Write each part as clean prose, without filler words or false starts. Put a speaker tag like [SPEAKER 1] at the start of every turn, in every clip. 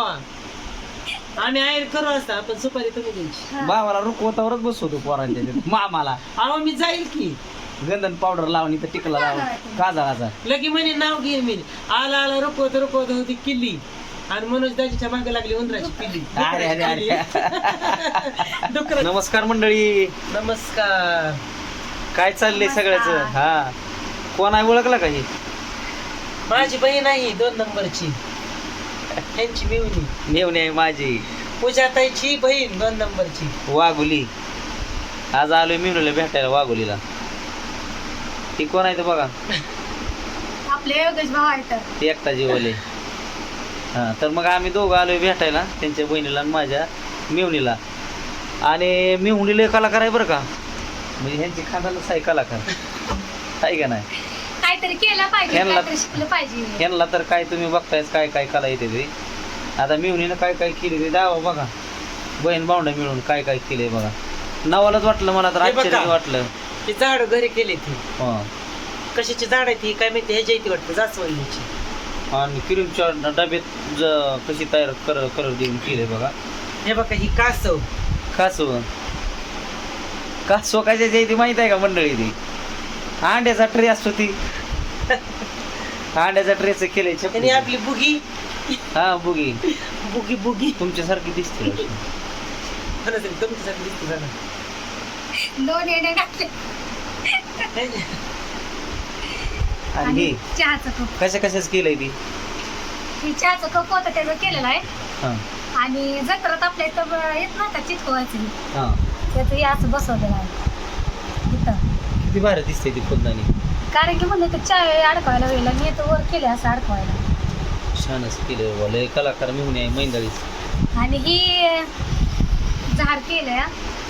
[SPEAKER 1] खावा. आम्ही आयर करू असता पण सुपारी तुम्ही द्यायची.
[SPEAKER 2] भावाला रुकवतावरच बसवतो पोरांच्या मामाला.
[SPEAKER 1] अहो मी जाईल की
[SPEAKER 2] गंधन पावडर लावणी तर टिकला लावून काजा
[SPEAKER 1] लगी म्हणे नाव घे मी आला आला रुकवत रुकवत होती किल्ली आणि मनोज दाजीच्या मागे लागली उंदराची पिल्ली.
[SPEAKER 2] अरे अरे अरे. नमस्कार मंडळी.
[SPEAKER 1] नमस्कार.
[SPEAKER 2] काय चाललंय सगळ्याच? हा कोण आहे ओळखला का? ही
[SPEAKER 1] माझी बहीण आहे 2 नंबरची. त्यांची मिवणी
[SPEAKER 2] मेवणी आहे माझी.
[SPEAKER 1] पूजाताईची बहीण 2 नंबरची
[SPEAKER 2] वाघोली. आज आलोय मिवणीला भेटायला वाघोलीला. ती कोण आहे तर बघा.
[SPEAKER 3] आपले योगेश भाऊ आहेत.
[SPEAKER 2] ती एकटा जीवले. हा तर मग आम्ही दोघं आलोय भेटायला त्यांच्या बहिणीला आणि माझ्या मिवणीला. आणि मिवणीला कलाकार आहे बरं का. म्हणजे ह्यांची खांदालाच आहे कलाकार आहे का नाही.
[SPEAKER 3] काहीतरी केलं पाहिजे, काहीतरी शिकलं पाहिजे.
[SPEAKER 2] ह्यांना तर काय तुम्ही बघतायच काय काय कला येते ते. आता मिवणीनं काय काय केले ते दावा बघा. बहीण भावंड मिळून काय काय केलंय बघा. नवालाच वाटलं मला तर आश्चर्य वाटलं.
[SPEAKER 1] ती झाड घरी केली ती.
[SPEAKER 2] हा
[SPEAKER 1] कशाची झाड आहे ती काय माहिती. ह्याच्या इथे वाटतं जास्वंदीची.
[SPEAKER 2] आणि क्रीमच्या डब्यात कशी तयार कलर देऊन केले बघा.
[SPEAKER 1] हे बघा ही कासव.
[SPEAKER 2] कासव कासव कशाची आहे ती माहित आहे का मंडळी? ती अंड्याचा ट्रे असतो. ती अंड्याचा ट्रेच केलंय
[SPEAKER 1] आणि
[SPEAKER 2] छपरी.
[SPEAKER 1] आपली बुगी.
[SPEAKER 2] हा बुगी.
[SPEAKER 1] बुगी बुगी
[SPEAKER 2] तुमच्यासारखी दिसते.
[SPEAKER 1] तुमच्यासाठी दिसते झालं.
[SPEAKER 3] 2 येणे घातले.
[SPEAKER 2] आणि हे
[SPEAKER 3] चहाचं कप.
[SPEAKER 2] कशाच केलंय ती?
[SPEAKER 3] ही चहाचं कप होतं त्याचं केलेलं आहे.
[SPEAKER 2] हा
[SPEAKER 3] आणि जत्रात आपल्या इथं येत ना का चिटकवायचं,
[SPEAKER 2] हा
[SPEAKER 3] त्याचं हे असं बसवलेलं आहे इथं.
[SPEAKER 2] किती भारी दिसते ती फुलदाणी.
[SPEAKER 3] कारण की म्हणलं तर चहा अडकवायला वेळेला मी तर वर केले असं अडकवायला.
[SPEAKER 2] छानच केलं बोल. कलाकार मिळून आहे मैंदळीच.
[SPEAKER 3] आणि ही झाड केलंय.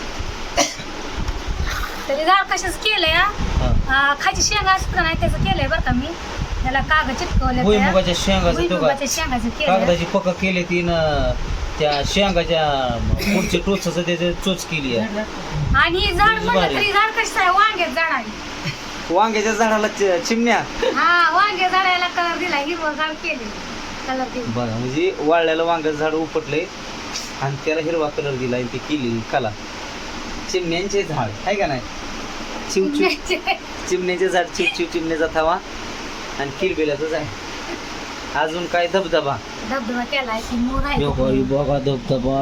[SPEAKER 3] तरी झाड कशाच केलंय?
[SPEAKER 2] हा
[SPEAKER 3] खायची शेंगा असतं नाही त्याचं केलंय बरं का मी. त्याला कागद चिटकवले.
[SPEAKER 2] भुईमुगाच्या शेंगाचं तो का
[SPEAKER 3] भुईमुगाच्या शेंगाचं केलंय.
[SPEAKER 2] कागदाची पक्क केली ती ना. त्या शेंगाच्या पुढच्या टोचाचं त्याचं चोच केली आहे.
[SPEAKER 3] आणि हे झाड म्हणलं तरी झाड कसं आहे? वांग्यात झाड आहे.
[SPEAKER 2] वांग्याच्या झाडाला चिमण्या.
[SPEAKER 3] हा वांग्या झाडाला कलर दिला. हिरवं झाड केले कलर दिला
[SPEAKER 2] बघा म्हणजे वाळल्याला वांग्याचं झाड उपटलंय आणि त्याला हिरवा कलर दिला आणि ती केली कला. चिमण्यांचे झाड आहे का नाही. चिमण्याचे झाड चिव चिमण्याचा थावा आणि किलबिलाचं आहे. अजून काय धबधबा.
[SPEAKER 3] धबधबा केलाय की मोर आहे.
[SPEAKER 2] बघा धबधबा.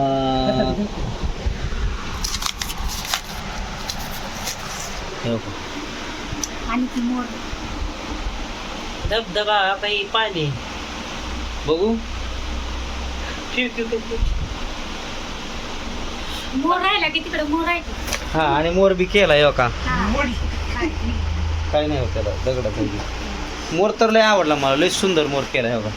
[SPEAKER 3] आणि ती मोर
[SPEAKER 1] धबधबा काही पाणी
[SPEAKER 2] बघू.
[SPEAKER 3] मोर राहिला की तिकडे मोर आहे की.
[SPEAKER 2] हा आणि मोर बी केलाय हो का.
[SPEAKER 3] हा.
[SPEAKER 2] काय नाही होत त्याला दगडाचा. मोर तर लय आवडला मला. लय सुंदर मोर केलाय हो का.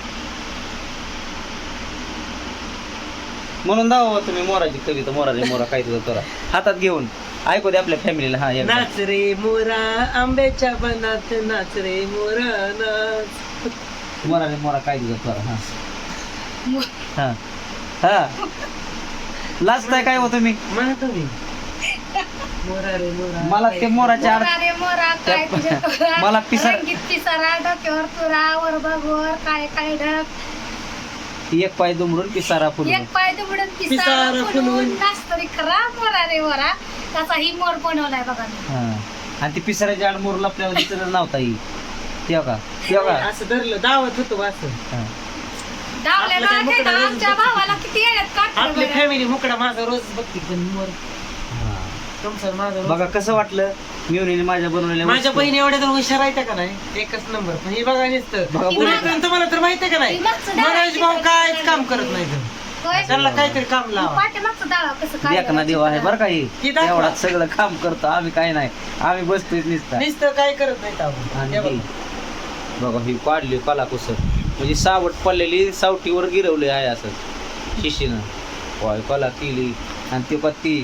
[SPEAKER 2] म्हणून दावा तुम्ही मोराची कविता. मोरा काय तुझं तोरा हातात घेऊन ऐकू दे आपल्या फॅमिलीला. हा
[SPEAKER 1] नाच रे मोरा आंब्याच्या बनात नाच रे मोरा नाच.
[SPEAKER 2] मोरा काय तुझं तोरा. हा
[SPEAKER 3] मोर.
[SPEAKER 2] हा हा लाजताय काय हो तुम्ही?
[SPEAKER 1] म्हणा तुम्ही मोरा रे मोरा.
[SPEAKER 2] मला ते मोराच्या
[SPEAKER 3] मोरा रे मोरा काय तुझे तोरा.
[SPEAKER 2] मला
[SPEAKER 3] रंगीत पिसारा डोक्यावर तुरा वर बघवर काय काय ढग.
[SPEAKER 2] एक पाय दुमडून पिसारा फुल.
[SPEAKER 3] एक पाय दुमडून पिसारा फुलवून नाचतरी खरा मोरा रे मोरा. त्याचा ही मोर बनवलाय बघा मी.
[SPEAKER 2] हा आणि ती पिसाऱ्याच्या आड मोर लपल्यावर दिसत नव्हता ही. तेव्हा का
[SPEAKER 1] असं धरलं दावत होतो असं.
[SPEAKER 2] हा.
[SPEAKER 3] डावल्या गावात आहे ना, आमच्या भावाला किती येण्यात
[SPEAKER 1] आपली
[SPEAKER 3] काढतो.
[SPEAKER 1] फॅमिली मुकडा माझा रोज बघते पण मोर
[SPEAKER 2] हा.
[SPEAKER 1] तुमचं माझा रोज.
[SPEAKER 2] बघा कसं वाटलं मिळून माझ्या बनवलेल्या
[SPEAKER 1] माझ्या
[SPEAKER 2] वस्तू.
[SPEAKER 1] बहिणी एवढ्या तर हुशार आहेत का नाही. एकच नंबर. पण हे बघा नुसतं
[SPEAKER 2] बघा,
[SPEAKER 1] बोलत तुम्हाला तर माहिती आहे का नाही. मनोज भाऊ कायच काम करत नाही. त्यांना काहीतरी काम लावा.
[SPEAKER 3] पाठीमागचं डावा कसं काय
[SPEAKER 2] देखना देव आहे बरं का ही.
[SPEAKER 1] ती दाखवा.
[SPEAKER 2] एवढा सगळं काम करतो आम्ही. काय नाही आम्ही बसतोय नुसतं.
[SPEAKER 1] नुसतं काय करत नाही आपण.
[SPEAKER 2] आणि
[SPEAKER 1] हे
[SPEAKER 2] ही
[SPEAKER 1] बघा.
[SPEAKER 2] बघा ही काढली कला कुसर. म्हणजे सावट पडलेली सावटीवर गिरवली आहे असं शिशीनं. होय कला केली. आणि ती पत्ती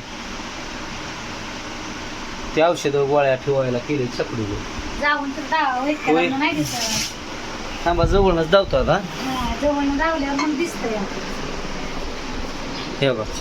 [SPEAKER 2] ते औषध गोळ्या ठेवायला केली छकडी.
[SPEAKER 3] जाऊन तर डावा
[SPEAKER 2] होय.
[SPEAKER 3] वैद्यकाला नाही दिसत.
[SPEAKER 2] थांबा जवळच धावतो आता.
[SPEAKER 3] हा, जवळ धावल्यावर मग दिसतंय.
[SPEAKER 2] हे बघा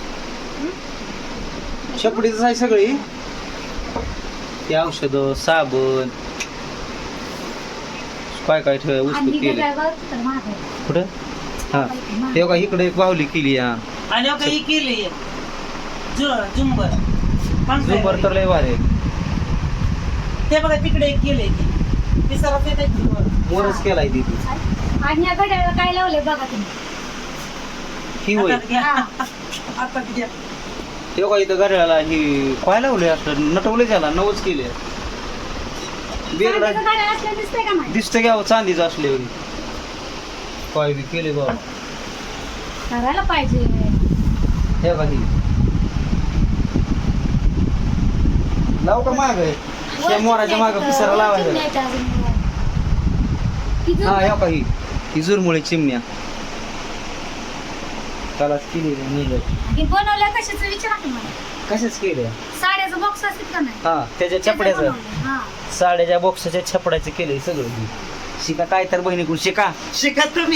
[SPEAKER 2] छपडीच आहे सगळी. ते औषध साबण काय काय ठेवाय
[SPEAKER 3] आणि
[SPEAKER 2] वस्तू
[SPEAKER 3] ही
[SPEAKER 2] केले.
[SPEAKER 3] गजाळ बघ तर महाग आहे.
[SPEAKER 2] कुठं हा हे बघा इकडे एक बाहुली केली हा
[SPEAKER 1] आणि आता ही केली झुंबर
[SPEAKER 2] झुंबर तर लय भारी आहे.
[SPEAKER 1] ते बघा तिकडे एक केलंय ती सरस येते
[SPEAKER 2] मोरच केलाय तिथे
[SPEAKER 3] आणि या घड्याला काय लावलंय बघा तुम्ही.
[SPEAKER 2] ही होय
[SPEAKER 1] आता घ्या.
[SPEAKER 2] ते बघा इथं घड्याळाला ही काय लावले असं नटवले त्याला नवच केले बेगडा
[SPEAKER 3] चांदीचं घड्याळ असलं दिसतंय का नाही?
[SPEAKER 2] दिसतं घ्यावं चांदीचं असले काय बी केले बाबा
[SPEAKER 3] करायला पाहिजे.
[SPEAKER 2] हे बघा ही लाव का माग त्या मोराच्या माग पिसारा लावायचा हा हे बघा ही जुरमुळे चिमण्या त्यालाच केली
[SPEAKER 3] बनवल्या कशाचं विचारा की मला.
[SPEAKER 2] कशाच केले
[SPEAKER 3] साड्याचं बॉक्स असतील का नाही?
[SPEAKER 2] हा त्याच्या छपड्याचं
[SPEAKER 3] बनवलंय. हा.
[SPEAKER 2] साड्याच्या बॉक्सच्या छपड्याचं केलंय सगळं ही. शिका काय तर बहिणीकडून शिका
[SPEAKER 1] शिका तुम्ही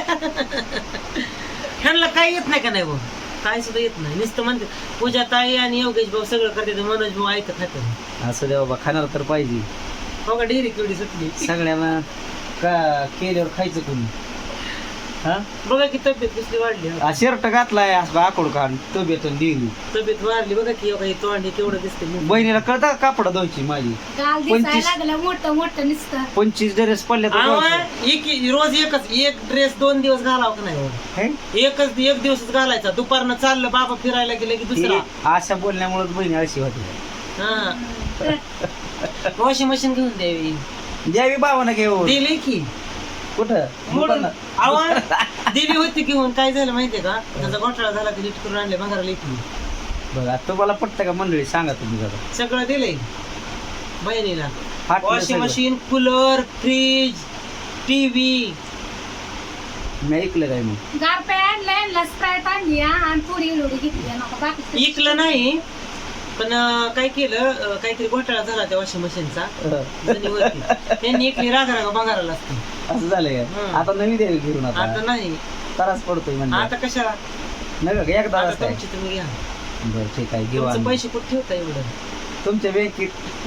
[SPEAKER 1] ह्यांना काय येत नाही का नाही भाऊ काय सुद्धा येत नाही नुसतं म्हणते पूजा ताई आणि योगेश भाऊ सगळं करते तर मनोज भाऊ ऐकत खात
[SPEAKER 2] असं द्या बाबा खाणार तर पाहिजे
[SPEAKER 1] हो का डेअरी केवढी सुटली
[SPEAKER 2] सगळ्यांना का केल्यावर खायचं कोणी हा
[SPEAKER 1] बघा की तब्येत कसली वाढली हो.
[SPEAKER 2] शर्ट घातलाय असं आकोड काढून तब्येतून दिली
[SPEAKER 1] तब्येत वाढली बघा की हे तोंड हे केवढं दिसते
[SPEAKER 2] बहिणीला कळतं का कापड धुवायची माझी
[SPEAKER 3] गाल
[SPEAKER 2] 25
[SPEAKER 3] दिसायला लागलं मोठं मोठं नुसतं.
[SPEAKER 2] 25 ड्रेस पडले तर
[SPEAKER 1] रोज एकच एक ड्रेस 2 दिवस घालावं का नाही हो? एक दिवसच घालायचा दुपारनं चाललं बाबा फिरायला गेलं की दुसरा
[SPEAKER 2] अशा बोलण्यामुळे बहिणी अशी होती
[SPEAKER 1] हा वॉशिंग मशीन घेऊन द्यावी
[SPEAKER 2] द्यावी बाबानं घेऊन
[SPEAKER 1] दिली की
[SPEAKER 2] कुठं
[SPEAKER 1] मोडून
[SPEAKER 2] दुकानात?
[SPEAKER 1] आवाज दिली होती घेऊन काय झालं माहितीये का त्याचा घोटाळा झाला की नीट करून आणले भांगारा लेखी
[SPEAKER 2] बघा तुम्हाला पटतं का मंडळी सांगा तुम्ही जरा
[SPEAKER 1] सगळं दिलंय बहिणीला
[SPEAKER 2] फाटलं
[SPEAKER 1] वॉशिंग
[SPEAKER 2] सगळं.
[SPEAKER 1] मशीन कूलर फ्रीज टीव्ही
[SPEAKER 2] मी ऐकलं काय मग
[SPEAKER 3] गारपे आणलंय स्प्राईट आणली हा, आणि थोडी इलोडी घेतली आणि आता बाकी
[SPEAKER 1] इकलं नाही पण काय केलं काहीतरी घोटाळा झाला त्या वॉशिंग मशीनचा त्यांनी इकली रागा भांगाराला असते
[SPEAKER 2] असं झालंय का? आता नवी द्यावी घेऊन
[SPEAKER 1] आता
[SPEAKER 2] आता
[SPEAKER 1] नाही
[SPEAKER 2] त्रास पडतोय म्हणजे
[SPEAKER 1] आता कशाला
[SPEAKER 2] नव्हे का एकदा
[SPEAKER 1] आता
[SPEAKER 2] असतंय.
[SPEAKER 1] तुमची तुम्ही घ्या
[SPEAKER 2] बरं ठीक आहे घेऊ
[SPEAKER 1] तुमचे
[SPEAKER 2] आम्ही.
[SPEAKER 1] पैसे कुठे ठेवता एवढं
[SPEAKER 2] तुमच्या बँकेत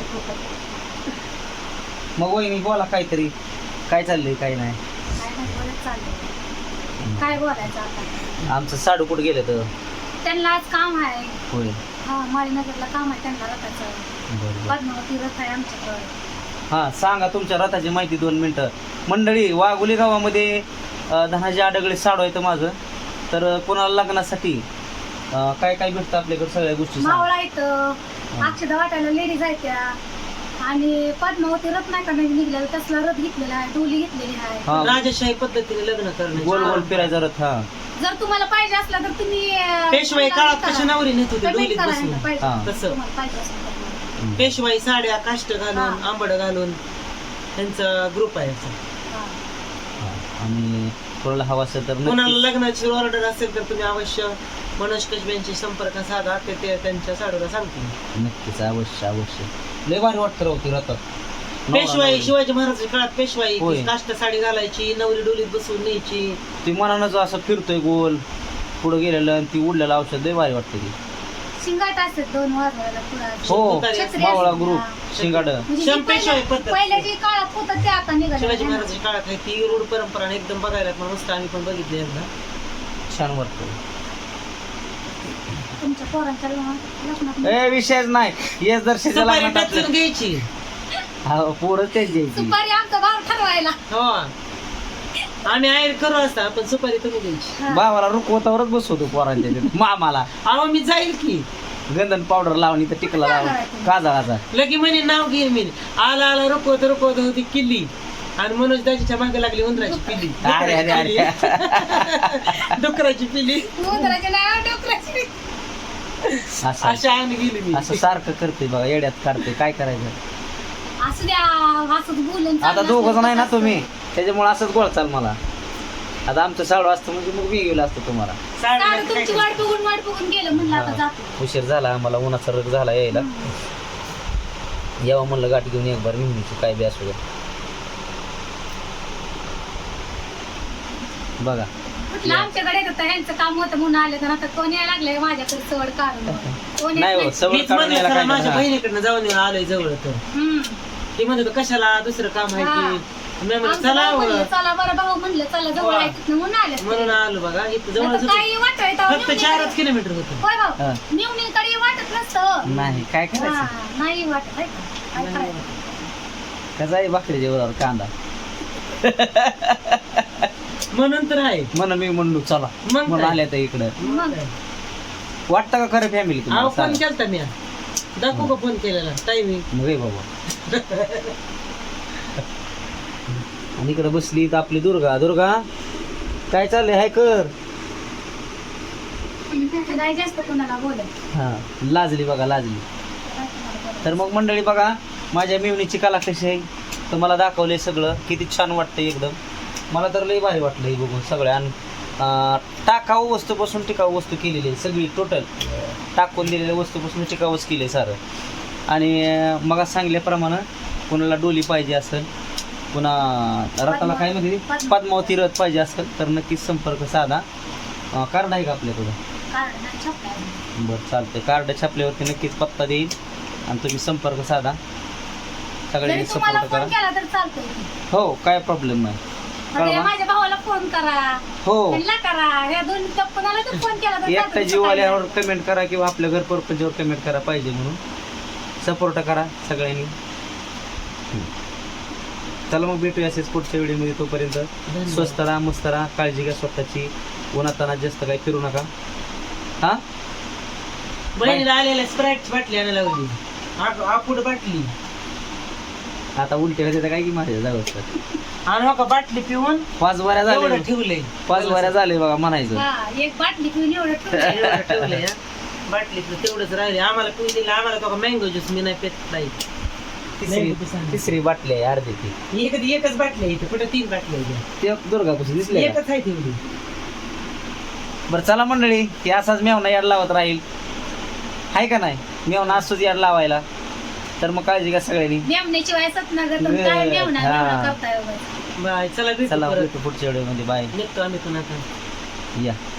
[SPEAKER 2] मग वहिनी बोला काहीतरी काय चाललंय काय नाही
[SPEAKER 3] काय नाही बोलत चाललंय. काय बोलायचं आता
[SPEAKER 2] आमचं साडू कुठं गेलं तर
[SPEAKER 3] त्यांना आज काम आहे.
[SPEAKER 2] होय
[SPEAKER 3] हा माळीनगरला काम आहे त्यांना रथाचं.
[SPEAKER 2] बरं
[SPEAKER 3] पद्मावती रथ आहे आमच्याकडे.
[SPEAKER 2] हा सांगा तुमच्या रथाची माहिती 2 मिनिटं मंडळी वाघोली गावामध्ये धनाजी आडगळे साडू आहे माझं तर कोणाला लग्नासाठी काय काय भेटतं आपल्याकडे सगळ्या गोष्टी सांगा.
[SPEAKER 3] मावळा इथं अक्षदा वाटायला लेडीज आहेत त्या आणि पद्मावती रथ नाही का नवीन निघलेला तसला रथ घेतलेला आहे डोली घेतलेली आहे.
[SPEAKER 2] हा
[SPEAKER 1] राजशाही पद्धतीने लग्न करणे
[SPEAKER 2] गोल गोल फिरायचा रथ हा
[SPEAKER 3] जर तुम्हाला पाहिजे असला तर तुम्ही
[SPEAKER 1] पेशवाई काळात कशी नवरी नेत होती
[SPEAKER 3] पेमेंट
[SPEAKER 1] डोलीत
[SPEAKER 3] करा
[SPEAKER 1] बसून
[SPEAKER 3] यांना पाहिजे.
[SPEAKER 2] हा.
[SPEAKER 1] तसं.
[SPEAKER 3] तुम्हाला पाहिजे असेल तर.
[SPEAKER 1] पेशवाई साड्या काष्ट घालून
[SPEAKER 3] हा.
[SPEAKER 1] आंबड घालून त्यांचा ग्रुप आहे असा.
[SPEAKER 3] हा.
[SPEAKER 2] आणि कोणाला हवा असेल तर
[SPEAKER 1] कोणाला
[SPEAKER 2] नक्कीच.
[SPEAKER 1] लग्नाची ऑर्डर असेल तर तुम्ही अवश्य मनोज कशब्यांशी संपर्क साधा ते त्यांच्या साडूला सांगतील
[SPEAKER 2] नक्कीच अवश्य अवश्य लय भारी वाटतं राहती रथात
[SPEAKER 1] पेशवाई शिवाजी महाराजांच्या काळात पेशवाई
[SPEAKER 2] होय.
[SPEAKER 1] काष्ट साडी घालायची नवरी डोलीत बसवून न्यायची
[SPEAKER 2] ती मनानं असं फिरतोय गोल पुढे गेलेलं आणि ती उडलेलं औषध लय भारी वाटतं ती
[SPEAKER 3] शिंगाट असतात 2 वाजवायला पुढं.
[SPEAKER 2] हो
[SPEAKER 3] छत्री
[SPEAKER 2] मावळा
[SPEAKER 3] असते.
[SPEAKER 2] ग्रुप
[SPEAKER 3] हा.
[SPEAKER 2] शिंगाड
[SPEAKER 3] म्हणजे जी
[SPEAKER 1] पेशवाई पद्धत.
[SPEAKER 3] पहिल्या जी काळात होतं ते आता निघालं
[SPEAKER 1] शिवाजी महाराजांच्या काळात आहे ती रूढ परंपरा आणि एकदम बघायला पण मस्त आम्ही पण बघितली एकदा
[SPEAKER 2] छान वाटतं
[SPEAKER 3] तुमच्या पोरांच्या लग्नात
[SPEAKER 2] ए विषयच नाही येस दर्शनाला
[SPEAKER 1] सुपारी
[SPEAKER 2] लग्नात
[SPEAKER 1] टचून
[SPEAKER 2] आपलं.
[SPEAKER 1] घ्यायची
[SPEAKER 2] हा, पोरं तेच द्यायची
[SPEAKER 3] सुपारी आमचा भाव ठरवायला.
[SPEAKER 1] हो आम्ही आहे करू असता पण सुपारी तुम्ही द्यायची
[SPEAKER 3] हा.
[SPEAKER 2] भावाला रुकवतावरच बसवतो पोरांच्या तिथे. मामाला
[SPEAKER 1] अहो मी जाईल की
[SPEAKER 2] गंधन पावडर लावून तर टिकला लावून काजळाचा
[SPEAKER 1] लगी म्हणे नाव घेईन मी आला आला रुकवत रुकवत होती किल्ली आणि मनोज दाजीच्या मागे लागली उंदराची पिल्ली
[SPEAKER 2] अरे अरे अरे
[SPEAKER 1] डुकराची पिल्ली
[SPEAKER 3] उंदराच्या नावावर डोकराची.
[SPEAKER 2] असं
[SPEAKER 1] अशा आम्ही गेली मी
[SPEAKER 2] असं सारखं करते बघा येड्यात काढते काय करायचं
[SPEAKER 3] असू द्या असंच बोलून
[SPEAKER 2] आता
[SPEAKER 3] चाललं
[SPEAKER 2] दोघं
[SPEAKER 3] असलं
[SPEAKER 2] नाही ना
[SPEAKER 3] तर
[SPEAKER 2] तुम्ही त्याच्यामुळे असंच गोळ चाल मला आता आमचं साडू असतं म्हणजे मग मी गेलो असतो तुम्हाला
[SPEAKER 3] साडू तुमची वाट बघून गेलं म्हणलं आता जातो.
[SPEAKER 2] उशीर झाला आम्हाला उन्हाचा रग झाला यायला यावं म्हणलं गाठ घेऊन एक बार निघण्याची काय बी असू द्या बघा
[SPEAKER 3] म्हटलं आमच्याकडे येत होतं ह्यांचं काम होतं म्हणून आले तर आता कोण यायला लागलंय माझ्याकडे सवड काढून कोण
[SPEAKER 2] नाही
[SPEAKER 3] येत
[SPEAKER 2] हो
[SPEAKER 3] नाही.
[SPEAKER 2] सवड
[SPEAKER 1] मीच
[SPEAKER 2] काढून
[SPEAKER 1] म्हणलं
[SPEAKER 2] यायला
[SPEAKER 1] खरं माझ्या
[SPEAKER 2] काय
[SPEAKER 1] बहिणीकडनं जाऊन येऊन आलोय जवळ तर
[SPEAKER 3] हम्म.
[SPEAKER 1] ते म्हणत होतं कशाला दुसरं काम आहे
[SPEAKER 3] हा.
[SPEAKER 1] की मी म्हणलं
[SPEAKER 3] आमचं
[SPEAKER 1] चला
[SPEAKER 3] भाऊ म्हणलं, चला बरं भाऊ म्हणलं चला जवळ आहे तिथनं म्हणून आले
[SPEAKER 1] म्हणून आलो बघा इथं जवळ
[SPEAKER 3] नाहीतर काही वाटत
[SPEAKER 1] फक्त 4 किलोमीटर होतं.
[SPEAKER 3] होय
[SPEAKER 2] हा.
[SPEAKER 3] भाऊ निवणीकडे वाटत नसतं
[SPEAKER 2] नाही काय करायचं
[SPEAKER 3] हा, नाही वाटत आहे का? काय करायचं
[SPEAKER 2] कसा आहे भाकरीच्या वरावर कांदा
[SPEAKER 1] म्हणून तर आहे.
[SPEAKER 2] म्हणून मी म्हणलो चला
[SPEAKER 1] मग
[SPEAKER 2] म्हणून
[SPEAKER 1] काय?
[SPEAKER 2] आल्या तर इकडं
[SPEAKER 3] मग
[SPEAKER 2] वाटतं का खरं फॅमिली
[SPEAKER 1] अहो
[SPEAKER 2] तुम्हाला
[SPEAKER 1] फोन
[SPEAKER 2] सांगा.
[SPEAKER 1] केलता मी दाखवू का फोन केलेला टायमिंग
[SPEAKER 2] मग रे बाबा आणि इकडे बसली तर आपली दुर्गा दुर्गा काय चाललंय हाय कर
[SPEAKER 3] नाही जास्त कोणाला बोलत
[SPEAKER 2] हा लाजली बघा लाजली. तर मग मंडळी बघा माझ्या मेवणीची कला कशी आहे तर मला दाखवलंय सगळं किती छान वाटतंय एकदम. मला तर लई भारी वाटलं हे बघून सगळ्या. आणि टाकाऊ वस्तूपासून टिकाऊ वस्तू केलेली आहे सगळी टोटल टाकून दिलेल्या वस्तूपासून टिकाऊच केली सारं. आणि मग सांगल्याप्रमाणे कोणाला डोली पाहिजे असेल पुन्हा रथाला काय म्हणजे पद्मावती रथ पाहिजे असेल तर नक्कीच संपर्क साधा. कार्ड आहे का आपल्याकडं?
[SPEAKER 3] कारण नाही छापलं.
[SPEAKER 2] बरं चालतंय. कार्ड छापल्यावरती नक्कीच पत्ता देईल आणि तुम्ही संपर्क साधा. सगळ्यांनी
[SPEAKER 3] जरी तुम्हाला
[SPEAKER 2] सपोर्ट
[SPEAKER 3] फोन
[SPEAKER 2] करा.
[SPEAKER 3] केला तर चालतंय
[SPEAKER 2] हो काय प्रॉब्लेम नाही.
[SPEAKER 3] म्हणजे
[SPEAKER 2] कळवा.
[SPEAKER 3] माझ्या भावाला फोन करा
[SPEAKER 2] हो
[SPEAKER 3] त्यांना करा या दोन कोणाला तर फोन केला तर
[SPEAKER 2] एकटा
[SPEAKER 3] चालतंय.
[SPEAKER 2] जीव आल्यावर कमेंट करा किंवा आपल्या घर परपंचावर कमेंट करा पाहिजे म्हणून सपोर्ट करा सगळ्यांनी. चला मग भेटूया असेच पुढच्या व्हिडिओमध्ये. तोपर्यंत स्वस्त राहा मस्त राहा काळजी घ्या स्वतःची. उन्हाताना जास्त काही फिरू नका. हा
[SPEAKER 1] बहिणीला आलेल्या स्प्राईटची बाटली आणायला लावली. आपूड बाटली
[SPEAKER 2] आता उलट्या होते काय की माझ्या जाऊ
[SPEAKER 1] आणि का बाटली पिऊन
[SPEAKER 2] 5 वाऱ्या
[SPEAKER 1] एवढं
[SPEAKER 2] झाले
[SPEAKER 1] ठेवलंय.
[SPEAKER 2] 5 वाऱ्या झाले बघा म्हणायचं.
[SPEAKER 3] हा एक बाटली पिऊन एवढं ठेवलंय.
[SPEAKER 1] एवढं ठेवलंय हा. बाटलीतलं तेवढंच राहिले. आम्हाला पिऊन दिलं आम्हाला तो मँगो ज्यूस मी नाही पेत नाही.
[SPEAKER 2] तिसरी बाटली आहे अर्धी ती.
[SPEAKER 1] एकच बाटली आहे इथे कुठे 3 बाटली आहे.
[SPEAKER 2] ते दुर्गा कशी दिसली का?
[SPEAKER 1] एकच आहे तेवढी.
[SPEAKER 2] बरं चला मंडळी की असाच मेवना याड लावत राहील आहे का नाही. मेवना असतोच याड लावायला. तर मग काळजी घ्या सगळ्यांनी.
[SPEAKER 3] नेमण्याशिवाय सतनगर काय नेमणार
[SPEAKER 2] हा.
[SPEAKER 3] करताय वगैरे.
[SPEAKER 1] बाय चला भेटू
[SPEAKER 2] चला
[SPEAKER 1] परत.
[SPEAKER 2] भेटू पुढच्या व्हिडिओमध्ये. बाय
[SPEAKER 1] निघतो आम्ही पुन्हा आता.
[SPEAKER 2] या.